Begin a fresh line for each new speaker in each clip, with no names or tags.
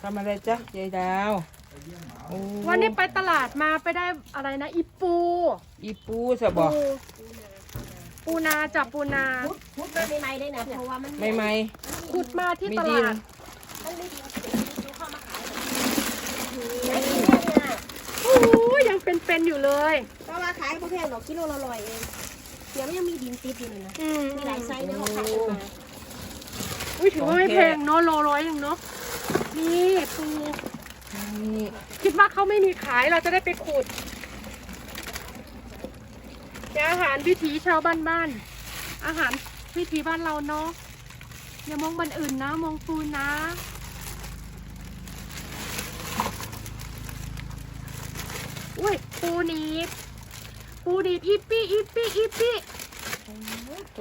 ทำอะไรจ๊ะยายดาวโอ้
วันนี้ไปตลาดมาไปได้อะไรนะอีปู
อีปูสะบอก
ปูนาจับปูนา
พูดมาใหม่ๆได้นะเพราะว่ามัน
ไม่ไม่
ขุดมาที่
มี
ต
ดิ
ลาน ด
มันไม่ดีดูเข้ามาขายไอ้เนี่ย
โอ้ยยังเป็นๆอยู่เลย
เพราะว่าขายก็แพงหรอกกิโลละ100เองเดี๋ยวมันยังมีดินติดอยู่เลยนะ มีหลายไซส์เนี่ยเขาขายกันมา
อุ้ยถือว่าไม่แพงเนาะโลร้อยเองเนาะนี่ปู
นี่
คิดว่าเขาไม่มีขายเราจะได้ไปขุดเป็นอาหารวิถีชาวบ้านๆอาหารวิถีบ้านเราเนาะอย่ามองบันอื่นนะมองปูนะอุ้ยปูหนีบอีปี้
ตัว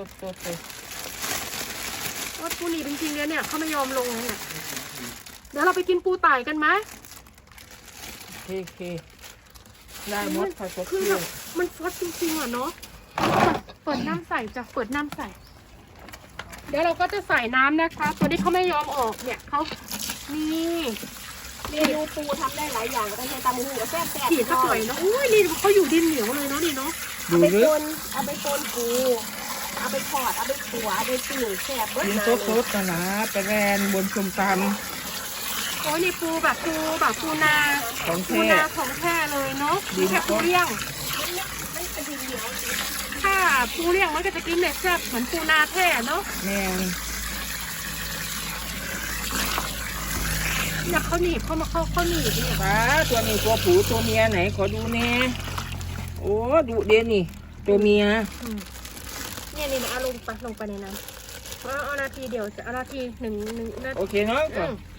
ว่าปูหนีบจริงๆเลยเนี่ยเขาไม่ยอมลงเลยเนี่ยเดี๋ยวเราไปกินปูไต่กันไหม
เคได้หมดค่ะตัว
คือ
เที่
แบ
ยว
บมันฟดจริงๆอ่ะเนาะเปิดน้ำใส่จ้ะเปิดน้ำใส่ เดี๋ยวเราก็จะใส่น้ำนะคะตัวนี้เขาไม่ยอมออกเนี่ยเขานี่
เมนูปูทำได้หลายอย่างก็ได้ใช้ตำมือก็แซ่บ
ขีดสักหน่อยเนาะอุ้ยนี่เขาอยู่ดินเหนียวเลยเนาะนี่เนาะ
เอา
ดู
ไป
ลึ
ต้
ก
นเอาไปต้นปูเอาไปทอดเอาไปขัวเอาไปปิ้งแซ่บเบิด
กิน
นา
สดๆนะไปแรนบนชมต
โอ้ยนี่ปูนา
ำของ
ปู
แท้
นาของแท้เลยเนาะไม่ใช่ปูเลี้ยง
มันเป็นดินเหนียว
ถ้าปูเลี้ยงมันก็จะกินแบบแซ่บเหมือนปูนาแท้เนาะ
แม่น
อยากเขาหนีบเขาหนีบเนี่ย
ป้าตัวนี้ตัวผู้ตัวเมียไหนขอดูแน่โอ้ดูเด่นนี่ตัวเมีย
เนี่ยนี่นะเอาลงไปในน้ำเอานาทีเดียวจะเอานาทีหนึ่งนาที
โอเคเนาะ
อืม